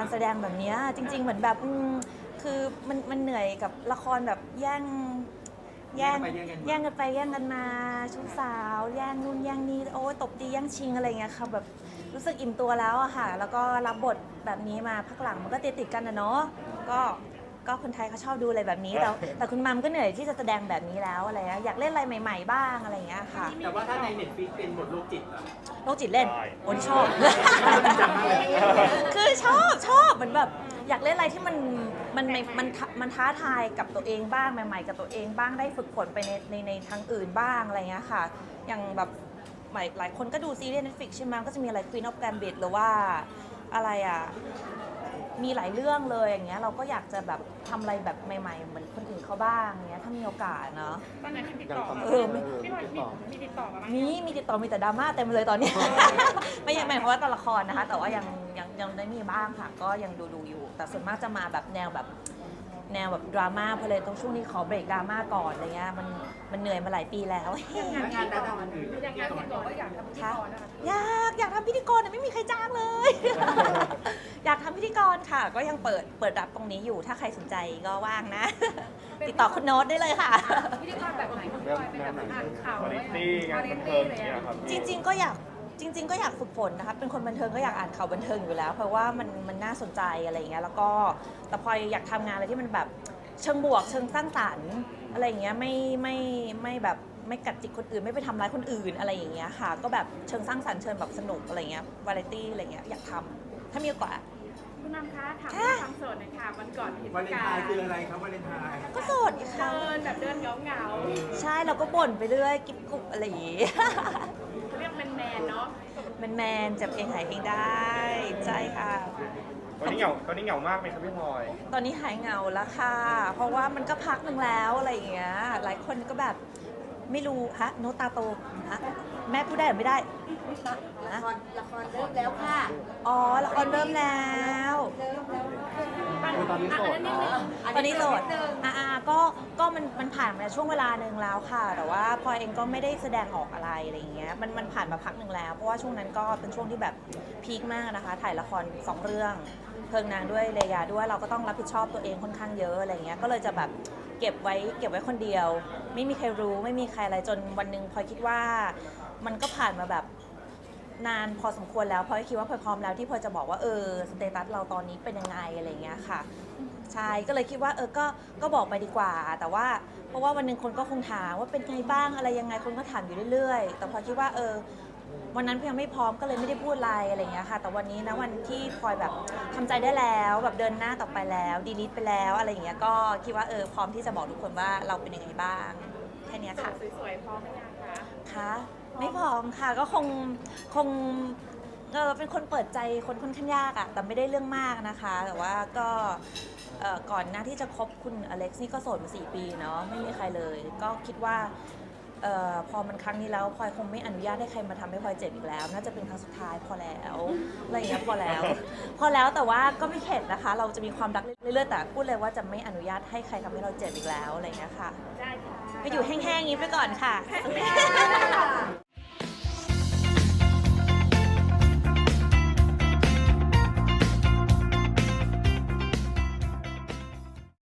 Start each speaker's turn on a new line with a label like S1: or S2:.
S1: แสดงแบบนี้จริงๆเหมือนแบบคือมันเหนื่อยกับละครแบบแย่งกันไปแย่งกันมาชู้สาวแย่งนู่นแย่งนี่โอ้ยตบตีแย่งชิงอะไรเงี้ยค่ะแบบรู้สึกอิ่มตัวแล้วอะค่ะแล้วก็รับบทแบบนี้มาพักหลังมันก็ติดกันนะเนาะก็คนไทยเขาชอบดูอะไรแบบนี้แต่คุณมัมก็เหนื่อยที่จะแสดงแบบนี้แล้วอะไรเงี้ยอยากเล่นอะไรใหม่ๆบ้างอะไรเงี้ยค่ะ
S2: แต่ว่าถ้าใน Netflix เป็นบทโรคจิตล่ะ
S1: โรคจิตเล่นโอ้ยชอบคือชอบเหมือนแบบอยากเล่นอะไรที่มันท้าทายกับตัวเองบ้างใหม่ๆกับตัวเองบ้างได้ฝึกฝนไปในทางอื่นบ้างอะไรเงี้ยค่ะอย่างแบบหลายคนก็ดูซีรีส์ Netflix ใช่ไหมก็จะมีอะไร Queen of Gambit หรือว่าอะไรอ่ะมีหลายเรื่องเลยอย่างเงี้ยเราก็อยากจะแบบทำอะไรแบบใหม่ๆเหมือนคนอื่นเขาบ้างเงี้ยถ้ามีโอกาสเนาะ
S3: ตอนไหนมีติดต่อพี่พลอยมีติดต่อมาไหม
S1: มีติดต่อมีแต่ดราม่าเต็มเลยตอนนี้ ไม่ยังหมายความว่าตัวละครนะคะแต่ว่ายังได้มีบ้างค่ะก็ยังดูอยู่แต่ส่วนมากจะมาแบบแนวแบบดราม่าเพราะเลยต้องช่วงนี้ขอเบรกดราม่าก่อนอะไรเงี้ยมันเหนื่อยมาหลายปีแล้ว
S2: งานด้านอื่น
S3: อย่างงานติดต่อก็อยากทำพิธีกรนะคะ
S1: อยากทำพิธีกรแต่ไม่มีใครจ้างเลย อยากทำพิธีกรค่ะก็ยังเปิดรับตรงนี้อยู่ถ้าใครสนใจก็ว่างนะ ติดต่อคุณโน้ตได้เลยค่ะ
S3: พิธีกรแบบไหนพี่พลอยเป็นแบบอ่านข่าว
S4: วาไรตี้งานบันเทิงอย่างเงี้ยครับ
S1: จริงๆก็อยากฝึกฝนนะคะเป็นคนบันเทิงก็อยากอ่านข่าวบันเทิงอยู่แล้ว เพราะว่ามันน่าสนใจอะไรอย่างเงี้ยแล้วก็แต่พออยากทำงานอะไรที่มันแบบเชิงบวกเชิงสร้างสรรค์อะไรอย่างเงี้ยไม่แบบไม่กัดจิกคนอื่นไม่ไปทำร้ายคนอื่นอะไรอย่างเงี้ยค่ะก็แบบเชิงสร้างสรรค์เชิงแบบสนุกอะไรเงี้ยวาไรตี้อะไรเงี้ยอยากทำถ้ามีโอกาส
S3: คุณน้ำคะถามความโสดหน่อยค่ะวันก่อนเห็น
S2: วาเลนไทน์คืออะไรครับวาเลนไทน์
S1: ก็โสดค่ะ
S3: เดินแบบเดินเหงา
S1: ใช่เราก็บ่นไปเรื่อยกิ๊บกุบอะไรอย่างงี้
S3: ๆเรียกแมนเนาะ
S1: แมนจับเองหายเองได้ใช่ค่ะ
S4: ตอนนี้เหงามากไหมครับพี่พลอย
S1: ตอนนี้หายเหงาแล้วค่ะ เพราะว่ามันก็พักหนึ่งแล้วอะไรอย่างเงี้ย หลายคนก็แบบไม่รู้ฮะโนตตาโตฮะแม่พูดได้หรือไม่ได้
S5: ละครเริ่มแล้วค่ะ
S1: อ๋อละครเริ่มแล้ว
S2: ตอนนี้โสด
S1: ตอนนี้โสดก็มันผ่านมาช่วงเวลาหนึ่งแล้วค่ะ แต่ว่าพลอยเองก็ไม่ได้แสดงออกอะไรอะไรอย่างเงี้ย มันผ่านมาพักหนึ่งแล้ว เพราะว่าช่วงนั้นก็เป็นช่วงที่แบบพีคมากนะคะ ถ่ายละคร2 เรื่อง เพลิงนางด้วยเลยาด้วย เราก็ต้องรับผิดชอบตัวเองค่อนข้างเยอะอะไรเงี้ย ก็เลยจะแบบเก็บไว้คนเดียว ไม่มีใครรู้ไม่มีใครอะไรจนวันหนึ่งพลอยคิดว่ามันก็ผ่านมาแบบนานพอสมควรแล้วพลอยคิดว่าพลอยพร้อมแล้วที่พลอยจะบอกว่าสเตตัสเราตอนนี้เป็นยังไงอะไรเงี้ยค่ะใช่ก็เลยคิดว่าก็บอกไปดีกว่าแต่ว่าเพราะว่าวันหนึ่งคนก็คงถามว่าเป็นไงบ้างอะไรยังไงคนก็ถามอยู่เรื่อยๆแต่พลอยคิดว่าวันนั้นพลอยยังไม่พร้อมก็เลยไม่ได้พูดอะไรเงี้ยค่ะแต่วันนี้นะวันที่พลอยแบบทำใจได้แล้วแบบเดินหน้าต่อไปแล้วดีลิทไปแล้วอะไรอย่างเงี้ยก็คิดว่าพร้อมที่จะบอกทุกคนว่าเราเป็นยังไงบ้างแค่นี้ค่ะ
S3: สวยๆพร้อมไหมยังคะ
S1: คะไม่พร้อมค่ะก็คงเป็นคนเปิดใจคนค่อนข้างยากอะแต่ไม่ได้เรื่องมากนะคะแต่ว่าก็ก่อนหน้าที่จะคบคุณอเล็กซ์นี่ก็โสดมา4 ปีเนาะไม่มีใครเลยก็คิดว่าพอมันครั้งนี้แล้วพลอยคงไม่อนุญาตให้ใครมาทำให้พลอยเจ็บอีกแล้วน่าจะเป็นครั้งสุดท้ายพอแล้วอะไรอย่างเงี้ยพอแล้วแต่ว่าก็ไม่เข็ดนะคะเราจะมีความรักเรื่อยๆแต่พูดเลยว่าจะไม่อนุญาตให้ใครทำให้เราเจ็บอีกแล้วอะไรอย่างเงี้ยค่ะ
S3: ได้ค่ะ
S1: ไปอยู่แห้งๆอย่างนี้ไปก่อนค่ะ